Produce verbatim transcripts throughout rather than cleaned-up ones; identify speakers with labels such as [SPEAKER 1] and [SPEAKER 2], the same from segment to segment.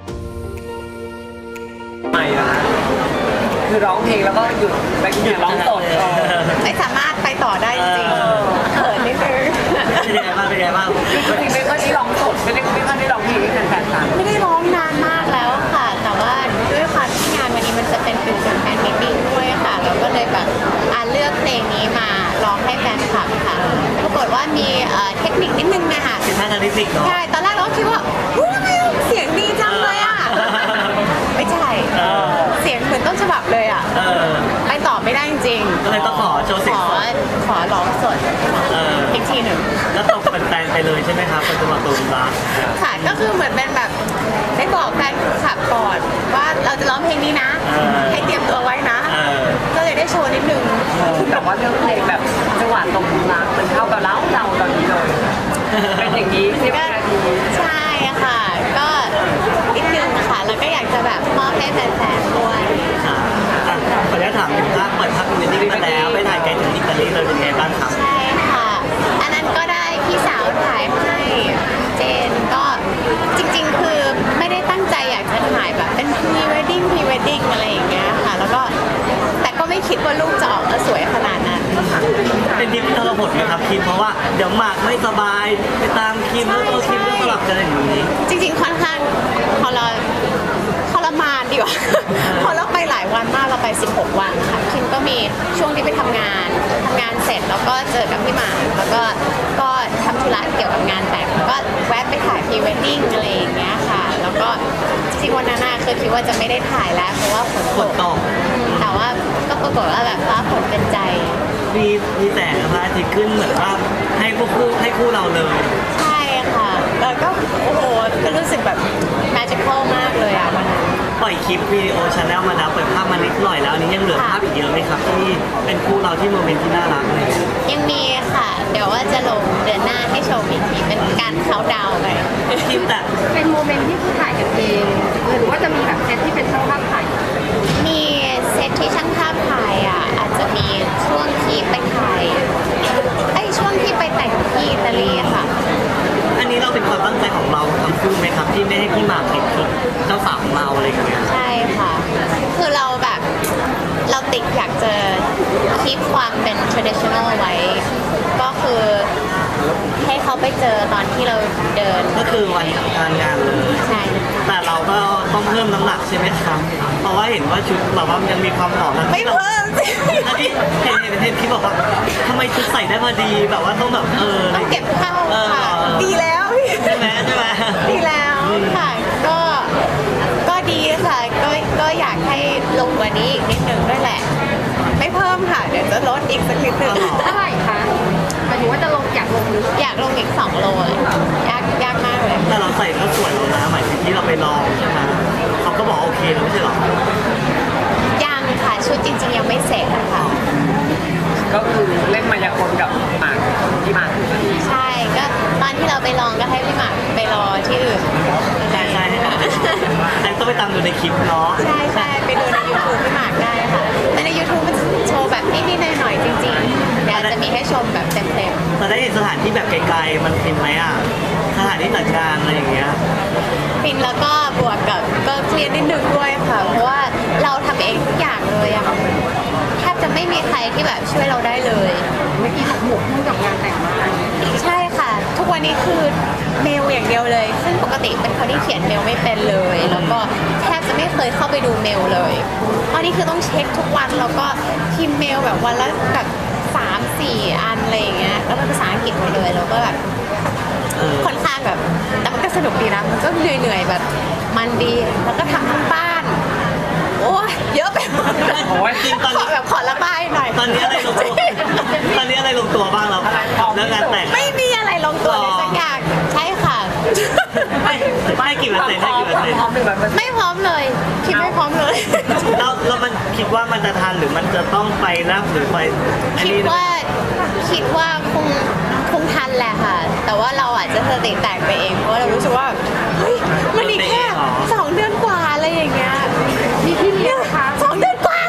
[SPEAKER 1] ใหม่นะคะคือร้องเพลงแล้วก็หยุดไปหยุดร้องสด
[SPEAKER 2] ไม่สามารถไปต่อได้จริงๆเขินนิดนึง
[SPEAKER 3] เป็นยังไงบ้างเป็นยังไงบ้าง
[SPEAKER 1] จริงๆไม่ค่อยได้ร้องสดไม่ได้ไม่ค่อยได้ร้องเพลงให้แฟนๆฟัง
[SPEAKER 2] ไม่ได้ร้องนานมากแล้วค่ะ แต่ว่าด้วยความที่งานวันนี้มันจะเป็นฟิวชั่นแฟนมิตติ้งด้วยค่ะเราก็เลยแบบอ่าเลือกเพลงนี้มาร้องให้แฟนคลับค่ะปรากฏว่ามีเทคนิคนิดนึงนะคะ
[SPEAKER 3] เป็นทางการเทคนิคเนาะ
[SPEAKER 2] ใช่ตอนแรกเราก็คิดว่าอุ้ยทำไมเสียงดีจังเลยอ่ะไม่ใช่เสียงเหมือนต้นฉบับเลยอ่ะไปต่อไม่ได้จริงๆ
[SPEAKER 3] ก็เลยต้องขอโชว์เสียงสด
[SPEAKER 2] ขอร้องสดอีกทีหนึ่ง
[SPEAKER 3] แล้วตกเป็นแฟนไปเลยใช่ไหมครับเป็นตัวตูนรัก
[SPEAKER 2] ค่ะก็คือเหมือนเป็นแบบได้บอกแฟนคลับก่อนว่าเราจะร้องเพลงนี้นะให้เตรียมตัวไว้นะก็เลยได้โชว์นิดนึง
[SPEAKER 1] แต่ว่าเรื่องเพลงแบบจังหวะตรงรักมันเข้ากับเราเราตอนนี้เลยเป็นอย่างนี้ใช่ไหม
[SPEAKER 2] ใช่ค่ะก็นิดนึงค่ะแล้วก็อยากจะแบบมอบให้แฟนๆด้วย
[SPEAKER 3] ค่ะขออนุญาตถามถึงภาพเปิดภาพวิดีโอมาแล้วไปถ่ายไกลถึงอิตาลีเลยเป็นไงบ้างครับ
[SPEAKER 2] ใช่ค่ะอันนั้นก็ได้พี่สาวถ่ายให้เจนก็จริงๆคือไม่ได้ตั้งใจอยากจะถ่ายแบบเป็นพรีเวดดิ้งพรีเวดดิ้งอะไรอย่างเงี้ยค่ะแล้วก็แต่ก็ไม่คิดว่าลูกจะออกมาสวยขนาดนั้น
[SPEAKER 3] เป็นทีมทรหดไหมครับคิมเพราะว่าเดี๋ยวหมากไม่สบายไปตามคิมแล้วตัวคิมก็สลับกันอย่างนี้
[SPEAKER 2] จริงๆค่อนข้างพอเราทรมานดีกว่าพอเราไปหลายวันมากเราไปสิบหกวันค่ะคิมก็มีช่วงที่ไปทำงานทำงานเสร็จแล้วก็เจอกับพี่หมากแล้วก็ก็ทำธุระเกี่ยวกับงานแต่งก็แวะไปถ่ายพรีเวดดิ้งอะไรอย่างเงี้ยค่ะแล้วก็จริงๆวันนั้นน่ะคือคิดว่าจะไม่ได้ถ่ายแล้วเพราะว่าฝนตกแต่ว่าก็ปรากฏว่าแบบฟ้าฝนเป็นใจ
[SPEAKER 3] มีมีแสงพระอาทิตย์ขึ้นเหมือนว่าให้พวกคู่ให้คู่เราเลย
[SPEAKER 2] ใช่ค่ะแล้วก็โอ้โหก็รู้สึกแบบแมจิคอลมากเลยอ่ะวันนั้น
[SPEAKER 3] ปล่อยคลิปวิดีโอชาแนลมาแล้วเปิดภาพมานิดหน่อยแล้วนี้ยังเหลือภาพอีกเยอะไหมครับที่เป็นคู่เราที่โมเมนต์ที่น่ารักเลย
[SPEAKER 2] ยังมีค่ะเดี๋ยวว่าจะลงเดือนหน้าให้ชมอีกทีเป็นการเค้าดาวไป
[SPEAKER 3] คลิปแต่
[SPEAKER 4] เป็นโมเมนต์ที่ถ่ายกันเองหรือว่าจะมีแบบเซตที่เป็นช่างภาพถ่าย
[SPEAKER 2] มีเซตที่ช่างภาพถ่ายอ่ะอาจจะมีช่วงที่ไปถ่ายไอ้ช่วงที่ไปแต่งที่อิตาลีค่ะ
[SPEAKER 3] อันนี้เราเป็นความตั้งใจของเราทั้งคู่ไหมครับที่ไม่ให้พี่หมากติดชุดเจ้าสาวของเราอะไรอย่างเงี้ย
[SPEAKER 2] ใช่ค่ะคือเราแบบเราติดอยากจะคีปความเป็น traditional ไว้ก็คือให้เขาไปเจอตอนที่เราเดิน
[SPEAKER 3] ก็คือวันงานงานเลย
[SPEAKER 2] ใช่
[SPEAKER 3] แต่เราก็ต้องเพิ่มน้ำหนักใช่ไหมครับเพราะว่าเห็นว่าชุดเราว่ายังมีความหอม
[SPEAKER 2] ไม่เพิ่มสิ
[SPEAKER 3] ที่เห็นเห็นเห็นที่บอกว่าทำไมชุดใส่ได้พอดีแบบว่าต้องแบบเออ
[SPEAKER 2] ต้องเก็บเข้าค่ะดีแล้ว
[SPEAKER 3] ใช่ไหมใช่ไหม
[SPEAKER 2] ดีแล้วค่ะก็ก็ดีค่ะก็ก็อยากให้ลงกว่านี้อีกนิดนึงด้วยแหละไม่เพิ่มค่ะเดี๋ยวจะลดอีกสักนิดนึง
[SPEAKER 4] เท่าไหร่คะหมายถึงว่าจะลงอยากลงหรือ
[SPEAKER 2] อยากลงอีกสองโลยากยากมากเลย
[SPEAKER 3] แต่เราใส่ก็สวยแล้วนะหมายถึงที่เราไปลองใช่ไหมเขาก็บอกโอเคแล้วไม่ใช่หรอ
[SPEAKER 2] ยังค่ะชุดจริงๆยังไม่เสร็จค่ะ
[SPEAKER 1] ก็คือเล่นมายากลกับหมากที่หมาก
[SPEAKER 2] ใช่ก็ตอนที่เราไปลองก็ให้พี่หมากไปรอที่อื่น
[SPEAKER 3] ใช่ใช่แต่ต้องไปตามดูในคลิปเนาะ
[SPEAKER 2] ใช่ใช่ไปดูใน ยูทูบ พี่หมากได้ค่ะแต่ใน ยูทูบ มันโชว์แบบนิดๆหน่อยๆจริงๆเดี๋ยวจะมีให้ชมแบบเต็มๆ
[SPEAKER 3] เราได้เห็นสถานที่แบบไกลๆมันฟินไหมอ่ะสถานที่ต่างๆอะไรอย่างเงี้ย
[SPEAKER 2] ฟินแล้วก็บวกกับก็เครียดนิดนึงด้วยค่ะเพราะว่าเราทำเองทุกอย่างเลยอะแทบจะไม่มีใครที่แบบช่วยเราได้เลย
[SPEAKER 4] เมื่อกี้หมกหมกมุ่งกับงานแต่งมาก
[SPEAKER 2] ใช่ค่ะทุกวันนี้คือเมลอย่างเดียวเลยซึ่งปกติเป็นคนที่เขียนเมลไม่เป็นเลยแล้วก็แทบจะไม่เคยเข้าไปดูเมลเลยตอนนี้คือต้องเช็คทุกวันแล้วก็พิมพ์เมลแบบวันละแบบสามสี่อันอะไรอย่างเงี้ยแล้วเป็นภาษาอังกฤษหมดเลยแล้วก็แบบค่อนข้างแบบแต่มันก็สนุกดีนะมันก็เหนื่อยๆแบบมันดีแล้วก็ทำทั้งบ้านโอ้ยเยอะไปหมด
[SPEAKER 3] โอ้ยจริงตอนนี้
[SPEAKER 2] แบบขอระบายหน่อย
[SPEAKER 3] ตอนนี้อะไรลงตัวตอนนี้อะไรลงตัวบ้างเราเรื่องงานแต่ง
[SPEAKER 2] ไม่มีอะไรลงตัวเลยสักอย่างใช่ค่ะ
[SPEAKER 3] ไม่ไม่กี่เปอร์เซ็นต์ไม่กี่เปอร์เซ็นต์
[SPEAKER 2] ไม่พร้อมเลยคิดไม่พร้อมเลย
[SPEAKER 3] แล้วแล้วมันคิดว่ามันจะทันหรือมันจะต้องไปรับหรือไป
[SPEAKER 2] คิดว่าคิดว่าคงคงทันแหละค่ะแต่ว่าเราอาจจะสติแตกไปเองเพราะเรารู้สึกว่าเฮ้ยมันอีกแค่สองเดือนกว่าอะไรอย่างเงี้ย
[SPEAKER 4] มีพี่เลี้ยงคะ
[SPEAKER 2] สองเดือนกว่า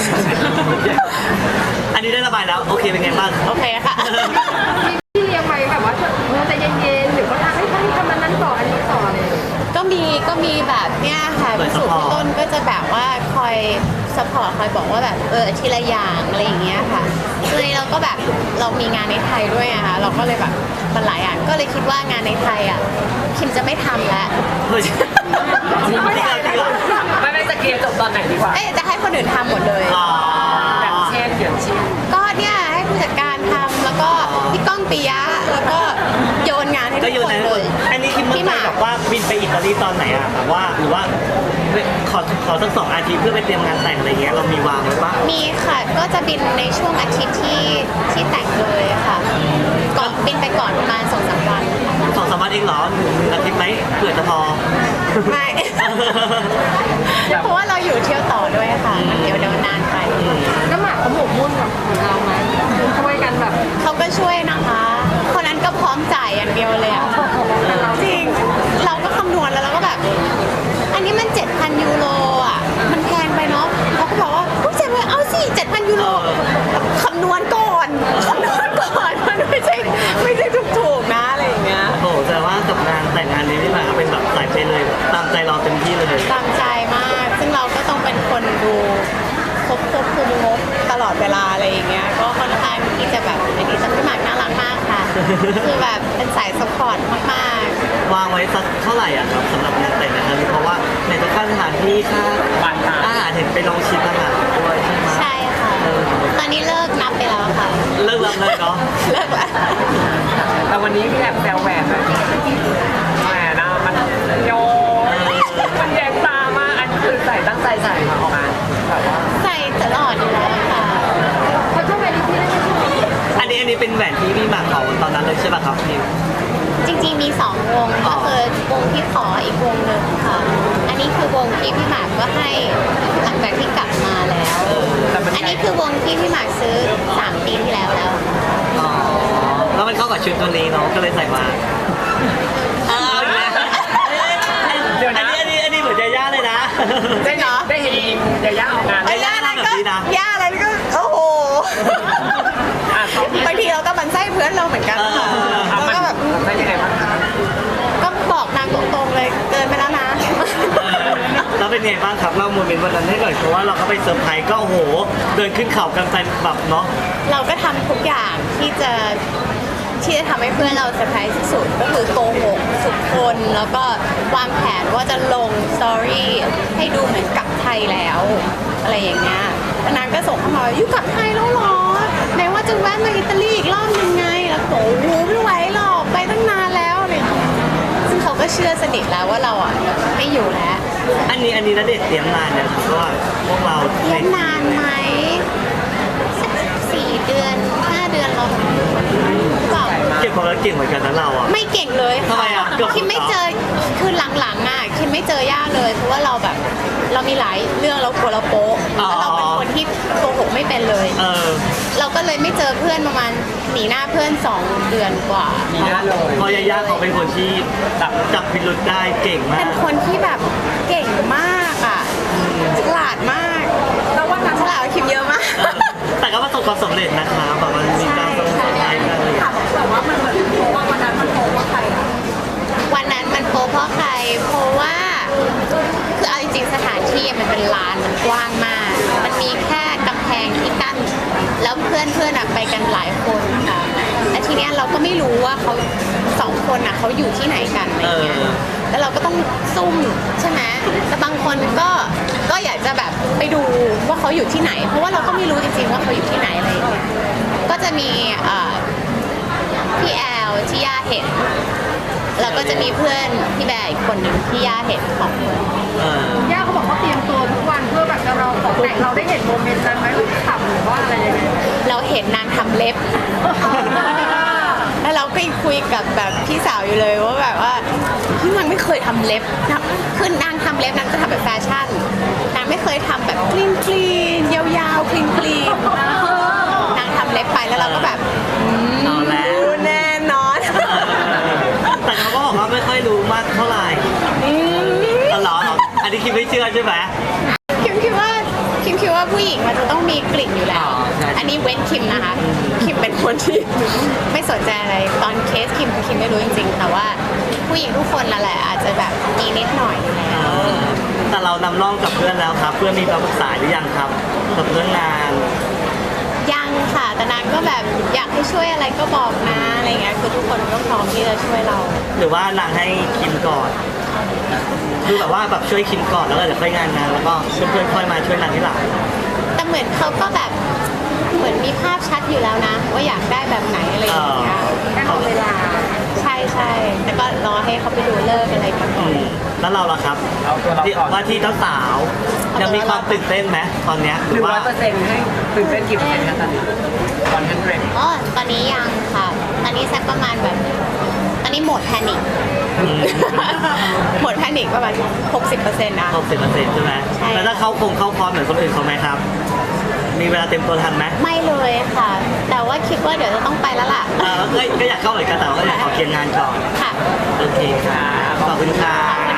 [SPEAKER 3] อันนี้ได้ระบายแล้วโอเคเป็นไงบ้าง
[SPEAKER 2] โอเคค่ะ
[SPEAKER 4] มีพี่เลี้ยงไหมแบบว่าเราจะเย็นๆหรือว่าให้ท่านทำอันนั้นต่ออันนี้ต่อเลย
[SPEAKER 2] ก็มีก็มีแบบเนี้ยค่ะพี่สุพี่ต้นก็จะแบบว่าคอยสปอร์ตคอยบอกว่าแบบเออทีละอย่างอะไรอย่างเงี้ยค่ะเลยเราก็แบบเรามีงานในไทยด้วยอะค่ะเราก็เลยแบบมันหลายอย่างก็เลยคิดว่างานในไทยอ่ะคิมจะไม่ทำแล้ว
[SPEAKER 3] เฮ้ยจริงไม่ได้จริงเหรอ
[SPEAKER 1] ไม่ไม่จะเคลียร์จบตอนไหนดีกว่า
[SPEAKER 2] เอ๊ะจะให้คนอื่นทำหมดเลย
[SPEAKER 3] อ๋อ
[SPEAKER 1] แบบเช่นอย่างเช่น
[SPEAKER 2] ก็เนี่ยให้ผู้จัดการทำแล้วก็พี่ก้องปิยะแล้วก็โยนงานให้
[SPEAKER 3] ก็
[SPEAKER 2] ทุก
[SPEAKER 3] อยู่
[SPEAKER 2] คน
[SPEAKER 3] ใน
[SPEAKER 2] เลย
[SPEAKER 3] อันนี้คิดเมื่อ
[SPEAKER 2] พี่
[SPEAKER 3] ไห
[SPEAKER 2] ห
[SPEAKER 3] ร่
[SPEAKER 2] มาก
[SPEAKER 3] บอกว่าบินไปอิตาลีตอนไหนอะแบบว่าหรือว่าขอขอสักสองอาทิตย์เพื่อไปเตรียมงานแต่งอะไรเงี้ยเรามีวางไว้ปะ
[SPEAKER 2] มีค่ะก็จะบินในช่วงอาทิตย์ที่ที่แต่งเลยค่ะก่อนบินไปก่อนประมาณสองสามวัน
[SPEAKER 3] สองสามวันเองเหรอหนึ่งอาทิตย์ไหมเผื่อจะพอ
[SPEAKER 2] ไม่ เพราะว่าเราอยู่เที่ยวต่อด้วยค่ะมันเดี๋ยวเดี๋ยวนานไป
[SPEAKER 4] น้ำหมากเขาหมกมุ่นกับเราไหมช่วยกันแบบ
[SPEAKER 2] เขาก็ช่วยนะคะคนนั้นก็พร้อมจ่ายอย่างเดียวเลยอะจริงเราก็คำนวณแล้วเราก็แบบ อันนี้มัน เจ็ดพัน ยูโรอ่ะมันแพงไปเนาะเขาก็บอกว่าผู้ชายว่าเอาสิ เจ็ดพัน ยูโรคำนวณก่อนคำนวณก่อนมันไม่ใช่ไม่ใช่ถูกๆนะอะไรอย่างเงี้ย
[SPEAKER 3] โอ้โหแต่ว่ากับงานแต่งงานนี้พี่หมากเป็นแบบสายไปเลยตามใจเราเต็มที่เลย
[SPEAKER 2] ตามใจมาก ซึ่งเราก็ต้องเป็นคนดูควบควบคุมงบตลอดเวลาอะไรอย่างเงี้ย ก็ค่อนข้างที่จะแบบอันนี้แต่พี่หมากน่ารักมากค่ะ คือแบบเป็นสายสปอร์ตมาก
[SPEAKER 3] วางไว้สักเท่าไหร่อ่ะครับสำหรับงานแต่งงานครั้งนี้เพราะว่าในตัวค่าสถานที่ค่า
[SPEAKER 1] วันตา
[SPEAKER 3] อาหารเห็นไปลองชิมอาหารด้วยใช่ไหม
[SPEAKER 2] ๆ ใช่ค่ะ ตอนนี้เลิกนับไปแล้วค่ะ
[SPEAKER 3] เลิกรับเลยเนาะ
[SPEAKER 2] เลิกแล้ว
[SPEAKER 1] แต่วันนี้พี่แอบแซวแหวนเลยแหวนนะมันโยมันแยงตามากอันนี้คือใส่ตั้งใจใส่มาออกมาแบบว่า
[SPEAKER 2] ใส่ตลอดอยู่แล้วค่ะ
[SPEAKER 4] เขาช่วยไปที่ที่ได้ไหม
[SPEAKER 3] อันนี้อันนี้เป็นแหวนที่พี่หมากเขาตอนนั้นเลยใช่ป่ะครับพี่
[SPEAKER 2] จริงๆมีสองวง
[SPEAKER 3] อ๋อ
[SPEAKER 2] ก็คือวงที่ขออีกวงหนึ่งค่ะ อันนี้คือวงที่พี่หมากก็ให้หลังจากที่กลับมาแล้ว
[SPEAKER 1] แต่มัน
[SPEAKER 2] อันนี้คือวงที่พี่หมากซื้อสามปีที่แล้วแล้ว
[SPEAKER 3] อ๋อแล้วมันเข้ากับชุดตัวนี้เนาะก็เลยใส่มาเอาอีกแล้วเดี๋ยวนะอันนี้อันนี้เหมือนจะย่าเลยนะ
[SPEAKER 2] ได้เหรอ
[SPEAKER 1] ได้เห็นยาย่าออกงาน
[SPEAKER 2] ไอ้ย่าอะไรก็ย่าอะไรก็โอ้โห
[SPEAKER 1] อ่ะเขา
[SPEAKER 2] บางทีเราก็บันไส้เพื่อนเราเหมือนกันค่ะ
[SPEAKER 1] อ่ะ
[SPEAKER 2] เรา
[SPEAKER 1] มัน
[SPEAKER 2] ก็แบบ
[SPEAKER 1] ได้ยังไงบ้างคะ
[SPEAKER 2] ก็บอกนางตรงๆเลยเกินไปแล้วนะ
[SPEAKER 3] แล้วเป็นไงบ้างครับเล่าโมเมนต์วันนั้นให้หน่อยเพราะว่าเราก็ไปเซอร์ไพรส์ก็โอ้โหเดินขึ้นเขากันไปแบบเนาะ
[SPEAKER 2] เราก็ทำทุกอย่างที่จะที่จะทำให้เพื่อนเราเซอร์ไพรส์ที่สุดก็คือโกหกสุดคนแล้วก็วางแผนว่าจะลงสตอรี่ให้ดูเหมือนกลับไทยแล้วอะไรอย่างเงี้ยแล้วนางก็ส่งเข้ามาว่าอยู่กลับไทยแล้วเหรอไหนว่าจะแวะมาอิตาลีอีกรอบนึงไงแล้วโอ้โหไม่ไหวหรอกไปตั้งนานแล้วอะไรอย่างเงี้ยซึ่งเขาก็เชื่อสนิทแล้วว่าเราอ่ะไม่อยู่แล้ว
[SPEAKER 3] อันนี้อันนี้ณเดชน์เตรียมนานเนี่ยครับเพราะว่าพวกเรา
[SPEAKER 2] เรียนนานไหมสักสี่เดือนห้าเดือนเราเปล่า
[SPEAKER 3] เก็บความรักเก่งเหมือนกันนะเราอ่ะ
[SPEAKER 2] ไม่เก่งเลย
[SPEAKER 3] ทำไมอ่ะเกือบ
[SPEAKER 2] คิมไม่เจอคือหลังๆอ่ะคิมไม่เจอย่าเลย เพราะว่าเราแบบ เรามีหลายเรื่องเรากลัวเราโป๊ะแล้วเราเป็นคนที่โกหกไม่เป็นเลย
[SPEAKER 3] เออ
[SPEAKER 2] เราก็เลยไม่เจอเพื่อนประมาณหนีหน้าเพื่อนสองเดือนกว่า
[SPEAKER 1] มีหน้าเลย
[SPEAKER 3] เพราะยาย่าเขาเป็นคนที่แบบจับพิรุธได้เก่งมา
[SPEAKER 2] เป็
[SPEAKER 3] ก
[SPEAKER 2] นคนที่แบบเก่งมากอ่ะฉลาดมากแล้ววันนั้นฉลาดกว่าคิมเยอะมาก
[SPEAKER 3] แต่ก็ประสบความสำเร็จนะคะแบบมันมีการสนใจกันอะไรอย่างเงี้ย
[SPEAKER 4] แต่ว่ามันเหมือนโพว่าวันนั้นมันโพว่าใครอะ
[SPEAKER 2] วันนั้นมันโป๊ะเพราะใคร เพราะว่าคือเอาจริงๆสถานที่มันเป็นลานมันกว้างมาก มันมีแค่กำแพงที่กั้นแล้วเพื่อนเพื่อนๆไปกันหลายคนค่ะแต่ทีเนี้ยเราก็ไม่รู้ว่าเขาสองคนอ่ะเขาอยู่ที่ไหนกันอะไรเงี้ยแล้วเราก็ต้องซุ่มใช่ไหมแต่บางคนก็ก็อยากจะแบบไปดูว่าเขาอยู่ที่ไหน เพราะว่าเราก็ไม่รู้จริงๆว่าเขาอยู่ที่ไหนอะไรอย่างเงี้ยก็จะมีเอ่อพี่แอลที่ย่าเห็น แล้วก็จะมีเพื่อนพี่แบร์อีกคนหนึ่งที่ย่าเห็นของคน
[SPEAKER 3] เออย่
[SPEAKER 4] าเขาบอกว่าเตรียมตัวทุกวันเพื่อแบบจะเราของแต่งเราได้เห็นโมเมนต์นั้นไหมว่าขำหรือว่าอะไรยังไง
[SPEAKER 2] เราเห็นนางทำเล็บ แล้วเราก็ยังคุยกับแบบพี่สาวอยู่เลยว่าแบบว่าพี่นางไม่เคยทำเล็บนะคือนางทำเล็บนางจะทำแบบแฟชั่นนางไม่เคยทำแบบคลีนคลีนยาวๆคลีนคลีนนางทำเล็บไปแล้วเราก็แบบอืม
[SPEAKER 3] เอาแล้ว
[SPEAKER 2] แน่นอน
[SPEAKER 3] แต่เขาก็บอกว่าไม่ค่อยรู้มากเท่าไหร่ตลอดอันนี้คิดไม่เชื่อใช่ไหม
[SPEAKER 2] คิมคิดว่าคิมคิดว่าผู้หญิงมันจะต้องมีกลิ่นอยู่แล้ว
[SPEAKER 3] อ๋อใช่
[SPEAKER 2] อันนี้เว้นคิมนะคะ คิมเป็นคนที่ ไม่สนใจอะไร ตอนเคสคิมคือคิมไม่รู้จริงๆ แต่ว่าผู้หญิงทุกคนละแหละอาจจะแบบมีนิดหน่อยอยู่แล้ว
[SPEAKER 3] แต่เรานำร่องกับเพื่อนแล้วครับ เพื่อนมีคำปรึกษาหรือยังครับกับเรื่องงาน
[SPEAKER 2] ยังค่ะแต่นางก็แบบอยากให้ช่วยอะไรก็บอกนะอะไรเงี้ยคือทุกคนก็พร้อมที่จะช่วยเรา
[SPEAKER 3] หรือว่านางให้คิมก่อนคือแบบว่าแบบช่วยคิมก่อนแล้วก็เดี๋ยวค่อยงานงานแล้วก็เพื่อนๆค่อยมาช่วยนางที่หลัง
[SPEAKER 2] แต่เหมือนเขาก็แบบเหมือนมีภาพชัดอยู่แล้วนะ ว่าอยากได้แบบไหนอะไรอย่างเงี้ย
[SPEAKER 4] แค่รอเวลา
[SPEAKER 2] ใช่ใช่แต่ก็รอให้เขาไปดูเลิกษ์อะไรกันก่
[SPEAKER 3] อื
[SPEAKER 2] อน
[SPEAKER 3] มแล้วเราล่ะครับ
[SPEAKER 1] เอาตัวเรา
[SPEAKER 3] ที่
[SPEAKER 1] ก่อน
[SPEAKER 3] ว่าที่เจ้าสาวยังมีความตื่นเต้นไหมตอนเนี้ยห
[SPEAKER 1] ห
[SPEAKER 3] รื
[SPEAKER 1] นึ่
[SPEAKER 3] อง
[SPEAKER 1] ร้
[SPEAKER 3] ว่า
[SPEAKER 1] อยเปอร์เซ็นต์ให้ตื่นเต้นกี่เปอร์เซ็นต์คะตอนนี้วันพันเรน
[SPEAKER 2] อ๋อตอนนี้ยังค่ะ ตอนนี้สักประมาณแบบตอนนี้โหมดแพนิค
[SPEAKER 3] อืม
[SPEAKER 2] โหมดแพนิคประมาณหกสิบเปอร์เซ็นต์นะ
[SPEAKER 3] หกสิบเปอร์เซ็นต์ใช่ไหม
[SPEAKER 2] ใช่
[SPEAKER 3] แล้วถ้าเขาคงเข้าคอร์สเหมือนคนอื่นเขาไหมครับ มีเวลาเต็มตัวทันไหม
[SPEAKER 2] ไม่เลยค่ะ แต่ว่าคิดว่าเดี๋ยวจะต้องไปแล้วล่ะ
[SPEAKER 3] เออก็ก็อยากเข้าเหมือนกันแต่ว่าก็อยากขอเคลียร์งานก่อน
[SPEAKER 2] ค่ะ
[SPEAKER 3] โอเคครับขอบคุณครับ